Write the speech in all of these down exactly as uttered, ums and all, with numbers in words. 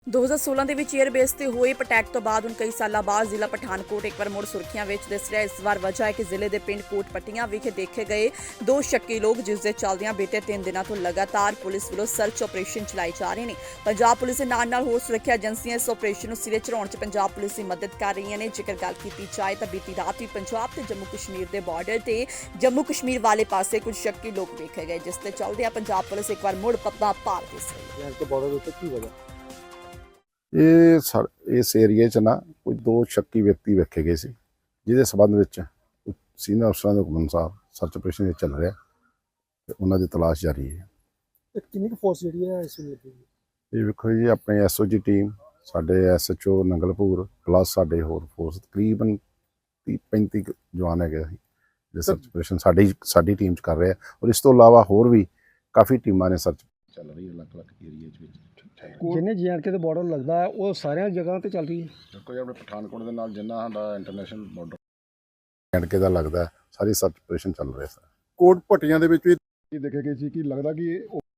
ਦੋ ਹਜ਼ਾਰ ਸੋਲਾਂ ਦੇ ਵਿੱਚ 에ਅਰਬੇਸ ਤੇ ਹੋਏ ਅਟੈਕ ਤੋਂ ਬਾਅਦ ਹੁਣ ਕਈ ਸਾਲਾਂ ਬਾਅਦ ਜ਼ਿਲ੍ਹਾ ਪਠਾਨਕੋਟ ਇੱਕ ਵਾਰ ਮੁੜ ਸੁਰਖੀਆਂ ਵਿੱਚ ਦਿਸ ਰਿਹਾ। ਇਸ ਵਾਰ ਵਜ੍ਹਾ ਹੈ ਕਿ ਜ਼ਿਲ੍ਹੇ ਦੇ ਪਿੰਡ ਕੋਟਪੱਟੀਆਂ ਵਿਖੇ ਦੇਖੇ ਗਏ ਦੋ ਸ਼ੱਕੀ ਲੋਕ, ਜਿਸ ਦੇ ਚੱਲਦਿਆਂ ਬੀਤੇ ਤਿੰਨ ਦਿਨਾਂ ਤੋਂ ਲਗਾਤਾਰ ਪੁਲਿਸ ਵੱਲੋਂ ਸਰਚ ਆਪਰੇਸ਼ਨ ਚਲਾਏ ਜਾ ਰਹੇ ਨੇ। ਪੰਜਾਬ ਪੁਲਿਸ ਦੇ ਨਾਲ ਨਾਲ ਹੋਰ ਸੁਰੱਖਿਆ ਏਜੰਸੀਆਂ ਇਸ ਆਪਰੇਸ਼ਨ ਨੂੰ ਸਿਰੇ ਚੜਾਉਣ 'ਚ ਪੰਜਾਬ ਪੁਲਿਸ ਦੀ ਮਦਦ ਕਰ ਰਹੀਆਂ ਨੇ। ਜੇਕਰ ਗੱਲ ਕੀਤੀ ਜਾਏ ਤਾਂ ਬੀਤੀ ਰਾਤ ਵੀ ਪੰਜਾਬ ਤੇ ਜੰਮੂ ਕਸ਼ਮੀਰ ਦੇ ਬਾਰਡਰ ਤੇ ਜੰਮੂ ਕਸ਼ਮੀਰ ਵਾਲੇ ਪਾਸੇ ਕੁਝ ਸ਼ੱਕੀ ਲੋਕ ਵੇਖੇ ਗਏ, ਜਿਸ ਦੇ ਚੱਲਦਿਆਂ ਪੰਜਾਬ ਪੁਲਿਸ ਇੱਕ ਵਾਰ ਮੁੜ ਪੱਬਾਂ ਭਾਰ ਦਿਸ ਰਹੀ ਹੈ। ਬਾਰਡਰ ਉੱਤੇ ਕੀ ਵਜ੍ਹਾ ਇਹ ਸਰ ਇਸ ਏਰੀਏ 'ਚ ਨਾ ਕੋਈ ਦੋ ਸ਼ੱਕੀ ਵਿਅਕਤੀ ਵੇਖੇ ਗਏ ਸੀ, ਜਿਹਦੇ ਸਬੰਧ ਵਿੱਚ ਸੀਨੀਅਰ ਅਫਸਰਾਂ ਦੇ ਹੁਕਮ ਅਨੁਸਾਰ ਸਰਚ ਆਪਰੇਸ਼ਨ ਚੱਲ ਰਿਹਾ ਤੇ ਉਹਨਾਂ ਦੀ ਤਲਾਸ਼ ਜਾਰੀ ਹੈ। ਤੇ ਕਿੰਨੀ ਕੁ ਫੋਰਸ ਜਿਹੜੀ ਹੈ ਇਸ ਵੇਲੇ ਲੱਗੀ? ਇਹ ਵੇਖੋ ਜੀ, ਆਪਣੇ ਐਸਓਜੀ ਟੀਮ, ਸਾਡੇ ਐਸਐਚਓ ਨੰਗਲਪੁਰ ਪਲੱਸ ਸਾਡੇ ਹੋਰ ਫੋਰਸ ਤਕਰੀਬਨ ਤੀਹ ਪੈਂਤੀ ਕੁ ਜਵਾਨ ਹੈਗੇ ਅਸੀਂ ਜਿਹੜੇ ਸਰਚ ਆਪਰੇਸ਼ਨ ਸਾਡੀ ਸਾਡੀ ਟੀਮ 'ਚ ਕਰ ਰਹੇ ਆ। ਔਰ ਇਸ ਤੋਂ ਇਲਾਵਾ ਹੋਰ ਵੀ ਕਾਫੀ ਟੀਮਾਂ ਨੇ ਸਰਚ ਚੱਲ ਰਹੀ ਹੈ ਅਲੱਗ-ਅਲੱਗ ਏਰੀਏ 'ਚ ਵਿੱਚ। ਜਿੰਨੇ ਜੀਐਨਕੇ ਦੇ ਬਾਰਡਰ ਲੱਗਦਾ ਹੈ ਉਹ ਸਾਰੀਆਂ ਜਗ੍ਹਾ ਤੇ ਚੱਲ ਰਹੀ ਹੈ। ਦੇਖੋ ਜੀ, ਆਪਣੇ ਪਠਾਨਕੋਟ ਦੇ ਨਾਲ ਜਿੰਨਾ ਸਾਡਾ ਇੰਟਰਨੈਸ਼ਨਲ ਬਾਰਡਰ ਐਂਡਕੇ ਦਾ ਲੱਗਦਾ, ਸਾਰੀ ਸਰਚ ਆਪਰੇਸ਼ਨ ਚੱਲ ਰਿਹਾ ਸਰ। ਕੋਟਪੱਟੀਆਂ ਦੇ ਵਿੱਚ ਵੀ ਦੇਖੇ ਗਏ ਸੀ ਕਿ ਲੱਗਦਾ ਕਿ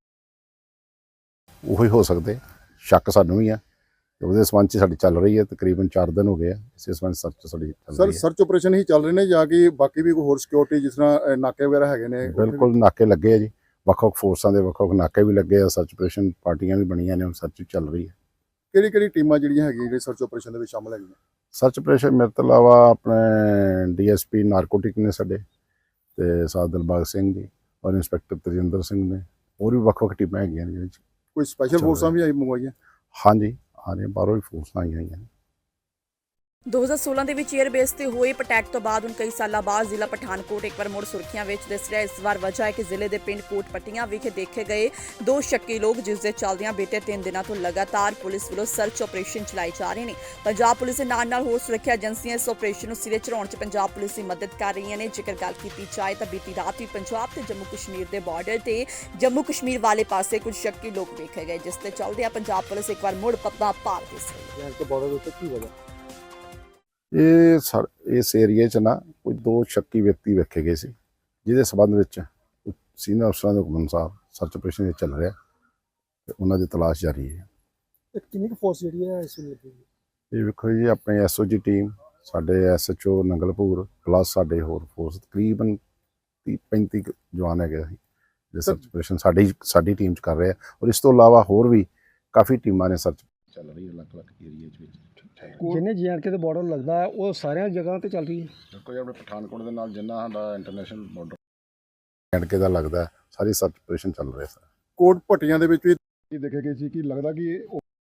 ਉਹੀ ਹੋ ਸਕਦੇ, ਸ਼ੱਕ ਸਾਨੂੰ ਵੀ ਆ। ਉਹਦੇ ਸੰਬੰਧ 'ਚ ਸਾਡੀ ਚੱਲ ਰਹੀ ਹੈ, ਤਕਰੀਬਨ ਚਾਰ ਦਿਨ ਹੋ ਗਏ ਆ ਇਸੇ ਸੰਬੰਧ ਸਰਚ ਸਾਡੀ ਚੱਲ ਸਰ ਰਹੀ ਹੈ। ਸਰਚ ਆਪਰੇਸ਼ਨ ਹੀ ਚੱਲ ਰਹੇ ਨੇ ਜਾਂ ਕਿ ਬਾਕੀ ਵੀ ਕੋਈ ਹੋਰ ਸਿਕਿਉਰਿਟੀ ਜਿਸ ਤਰ੍ਹਾਂ ਅ, ਨਾਕੇ ਵਗੈਰਾ ਹੈਗੇ ਨੇ? ਬਿਲਕੁਲ ਨਾਕੇ ਲੱਗੇ ਆ ਜੀ, ਵੱਖ-ਵੱਖ ਫੋਰਸਾਂ ਦੇ ਵੱਖ-ਵੱਖ ਨਾਕੇ ਵੀ ਲੱਗੇ ਆ। ਸਰਚ ਆਪਰੇਸ਼ਨ ਪਾਰਟੀਆਂ ਵੀ ਬਣੀਆਂ ਨੇ, ਹੁਣ ਸਰਚ ਵੀ ਚੱਲ ਰਹੀ ਹੈ। ਕਿਹੜੀ ਕਿਹੜੀ ਟੀਮਾਂ ਜਿਹੜੀਆਂ ਹੈਗੀਆਂ ਜਿਹੜੇ ਸਰਚ ਆਪਰੇਸ਼ਨ ਦੇ ਵਿੱਚ ਸ਼ਾਮਲ ਹੈਗੀਆਂ? ਸਰਚ ਆਪਰੇਸ਼ਨ ਮੇਰੇ ਤੋਂ ਇਲਾਵਾ ਆਪਣੇ ਡੀਐਸਪੀ ਨਾਰਕੋਟਿਕ ਨੇ ਸਾਡੇ, ਤੇ ਸਾਧ ਦਿਲਬਾਗ ਸਿੰਘ ਜੀ ਔਰ ਇੰਸਪੈਕਟਰ ਤਜਿੰਦਰ ਸਿੰਘ ਨੇ, ਹੋਰ ਵੀ ਵੱਖ-ਵੱਖ ਟੀਮਾਂ ਹੈਗੀਆਂ ਨੇ ਜਿਹਦੇ 'ਚ। ਕੋਈ ਸਪੈਸ਼ਲ ਚੱਲ ਫੋਰਸਾਂ ਰਿਹਾ। ਵੀ ਆਈ ਮੰਗਵਾਈਆਂ? ਹਾਂਜੀ, ਆ ਰਹੇ ਬਾਹਰੋਂ ਵੀ ਫੋਰਸਾਂ ਆਈਆਂ ਹੋਈਆਂ ਨੇ। ਦੋ ਹਜ਼ਾਰ ਸੋਲਾਂ ਦੇ ਵਿੱਚ 에ਅਰਬੇਸ ਤੇ ਹੋਏ ਅਟੈਕ ਤੋਂ ਬਾਅਦ ਹੁਣ ਕਈ ਸਾਲਾਂ ਬਾਅਦ ਜ਼ਿਲ੍ਹਾ ਪਠਾਨਕੋਟ ਇੱਕ ਵਾਰ ਮੁੜ ਸੁਰਖੀਆਂ ਵਿੱਚ ਦਿਸ ਰਿਹਾ। ਇਸ ਵਾਰ ਵਜ੍ਹਾ ਹੈ ਕਿ ਜ਼ਿਲ੍ਹੇ ਦੇ ਪਿੰਡ ਕੋਟਪੱਟੀਆਂ ਵਿਖੇ ਦੇਖੇ ਗਏ ਦੋ ਸ਼ੱਕੀ ਲੋਕ, ਜਿਸ ਦੇ ਚੱਲਦਿਆਂ ਬੀਤੇ ਤਿੰਨ ਦਿਨਾਂ ਤੋਂ ਲਗਾਤਾਰ ਪੁਲਿਸ ਵੱਲੋਂ ਸਰਚ ਆਪਰੇਸ਼ਨ ਚਲਾਏ ਜਾ ਰਹੇ ਨੇ। ਪੰਜਾਬ ਪੁਲਿਸ ਦੇ ਨਾਲ ਨਾਲ ਹੋਰ ਸੁਰੱਖਿਆ ਏਜੰਸੀਆਂ ਇਸ ਆਪਰੇਸ਼ਨ ਨੂੰ ਸਿਰੇ ਚੜਾਉਣ 'ਚ ਪੰਜਾਬ ਪੁਲਿਸ ਦੀ ਮਦਦ ਕਰ ਰਹੀਆਂ ਨੇ। ਜੇਕਰ ਗੱਲ ਕੀਤੀ ਜਾਏ ਤਾਂ ਬੀਤੀ ਰਾਤ ਵੀ ਪੰਜਾਬ ਤੇ ਜੰਮੂ ਕਸ਼ਮੀਰ ਦੇ ਬਾਰਡਰ ਤੇ ਜੰਮੂ ਕਸ਼ਮੀਰ ਵਾਲੇ ਪਾਸੇ ਕੁਝ ਸ਼ੱਕੀ ਲੋਕ ਵੇਖੇ ਗਏ, ਜਿਸ ਦੇ ਚੱਲਦਿਆਂ ਪੰਜਾਬ ਪੁਲਿਸ ਇੱਕ ਵਾਰ ਮੁੜ ਪੱਬਾਂ ਭਾਰ ਦਿਸ ਰਹੀ ਹੈ। ਜੀਐਨਕੇ ਬਾਰਡਰ ਉੱਤੇ ਕੀ ਵਜ੍ਹਾ? ਇਹ ਸਰ ਇਸ ਏਰੀਏ 'ਚ ਨਾ ਕੋਈ ਦੋ ਸ਼ੱਕੀ ਵਿਅਕਤੀ ਵੇਖੇ ਗਏ ਸੀ, ਜਿਹਦੇ ਸਬੰਧ ਵਿੱਚ ਸੀਨੀਅਰ ਅਫਸਰਾਂ ਦੇ ਹੁਕਮ ਅਨੁਸਾਰ ਸਰਚ ਆਪਰੇਸ਼ਨ ਚੱਲ ਰਿਹਾ ਤੇ ਉਹਨਾਂ ਦੀ ਤਲਾਸ਼ ਜਾਰੀ ਹੈ। ਤੇ ਕਿੰਨੀ ਕੁ ਫੋਰਸ ਜਿਹੜੀ ਹੈ ਇਸ ਵੇਲੇ ਲੱਗੀ? ਇਹ ਵੇਖੋ ਜੀ, ਆਪਣੇ ਐਸਓਜੀ ਟੀਮ, ਸਾਡੇ ਐਸਐਚਓ ਨੰਗਲਪੁਰ ਪਲੱਸ ਸਾਡੇ ਹੋਰ ਫੋਰਸ ਤਕਰੀਬਨ ਤੀਹ ਪੈਂਤੀ ਕੁ ਜਵਾਨ ਹੈਗੇ ਅਸੀਂ ਜਿਹੜੇ ਸਰਚ ਆਪਰੇਸ਼ਨ ਸਾਡੀ ਸਾਡੀ ਟੀਮ 'ਚ ਕਰ ਰਹੇ ਆ। ਔਰ ਇਸ ਤੋਂ ਇਲਾਵਾ ਹੋਰ ਵੀ ਕਾਫੀ ਟੀਮਾਂ ਨੇ ਸਰਚ ਚੱਲ ਰਹੀ ਹੈ ਅਲੱਗ-ਅਲੱਗ ਏਰੀਏ 'ਚ ਵਿੱਚ। ਜਿੰਨੇ ਜੀਐਨਕੇ ਦੇ ਬਾਰਡਰ ਲੱਗਦਾ ਹੈ ਉਹ ਸਾਰੀਆਂ ਜਗ੍ਹਾ ਤੇ ਚੱਲ ਰਹੀ ਹੈ। ਦੇਖੋ ਜੀ, ਆਪਣੇ ਪਠਾਨਕੋਟ ਦੇ ਨਾਲ ਜਿੰਨਾ ਸਾਡਾ ਇੰਟਰਨੈਸ਼ਨਲ ਬਾਰਡਰ ਐਂਡਕੇ ਦਾ ਲੱਗਦਾ, ਸਾਰੀ ਸਰਚ ਆਪਰੇਸ਼ਨ ਚੱਲ ਰਿਹਾ ਸਰ। ਕੋਟਪੱਟੀਆਂ ਦੇ ਵਿੱਚ ਵੀ ਦੇਖੇ ਗਏ ਸੀ ਕਿ ਲੱਗਦਾ ਕਿ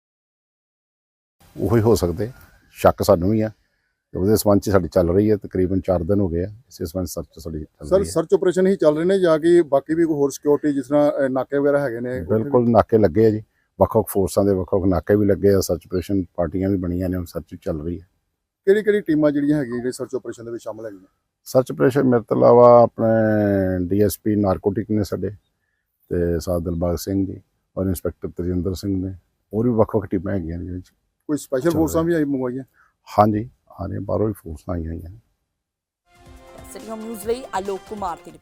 ਉਹੀ ਹੋ ਸਕਦੇ, ਸ਼ੱਕ ਸਾਨੂੰ ਵੀ ਆ। ਉਹਦੇ ਸੰਬੰਧ 'ਚ ਸਾਡੀ ਚੱਲ ਰਹੀ ਹੈ, ਤਕਰੀਬਨ ਚਾਰ ਦਿਨ ਹੋ ਗਏ ਆ ਇਸੇ ਸੰਬੰਧ ਸਰਚ ਸਾਡੀ ਚੱਲ ਸਰ ਰਹੀ ਹੈ। ਸਰਚ ਆਪਰੇਸ਼ਨ ਹੀ ਚੱਲ ਰਹੇ ਨੇ ਜਾਂ ਕਿ ਬਾਕੀ ਵੀ ਕੋਈ ਹੋਰ ਸਿਕਿਉਰਿਟੀ ਜਿਸ ਤਰ੍ਹਾਂ ਅ, ਨਾਕੇ ਵਗੈਰਾ ਹੈਗੇ ਨੇ? ਬਿਲਕੁਲ ਨਾਕੇ ਲੱਗੇ ਆ ਜੀ, ਵੱਖ-ਵੱਖ ਫੋਰਸਾਂ ਦੇ ਵੱਖ-ਵੱਖ ਨਾਕੇ ਵੀ ਲੱਗੇ ਆ। ਸਰਚ ਆਪਰੇਸ਼ਨ ਪਾਰਟੀਆਂ ਵੀ ਬਣੀਆਂ ਨੇ, ਹੁਣ ਸਰਚ ਵੀ ਚੱਲ ਰਹੀ ਹੈ। ਕਿਹੜੀ ਕਿਹੜੀ ਟੀਮਾਂ ਜਿਹੜੀਆਂ ਹੈਗੀਆਂ ਜਿਹੜੇ ਸਰਚ ਆਪਰੇਸ਼ਨ ਦੇ ਵਿੱਚ ਸ਼ਾਮਲ ਹੈਗੀਆਂ? ਸਰਚ ਆਪਰੇਸ਼ਨ ਮੇਰੇ ਤੋਂ ਇਲਾਵਾ ਆਪਣੇ ਡੀਐਸਪੀ ਨਾਰਕੋਟਿਕ ਨੇ ਸਾਡੇ, ਤੇ ਸਾਧ ਦਿਲਬਾਗ ਸਿੰਘ ਜੀ ਔਰ ਇੰਸਪੈਕਟਰ ਤਜਿੰਦਰ ਸਿੰਘ ਨੇ, ਹੋਰ ਵੀ ਵੱਖ-ਵੱਖ ਟੀਮਾਂ ਹੈਗੀਆਂ ਨੇ ਜਿਹਦੇ 'ਚ। ਕੋਈ ਸਪੈਸ਼ਲ ਚੱਲ ਫੋਰਸਾਂ ਰਿਹਾ। ਵੀ ਆਈ ਮੰਗਵਾਈਆਂ? ਹਾਂਜੀ, ਆ ਰਹੇ ਬਾਹਰੋਂ ਵੀ ਫੋਰਸਾਂ ਆਈਆਂ ਹੋਈਆਂ ਨੇ। ਸਿਟੀ ਹੋਮ ਨਿਊਜ਼ ਲਈ ਆਲੋਕ ਕੁਮਾਰ ਦੀ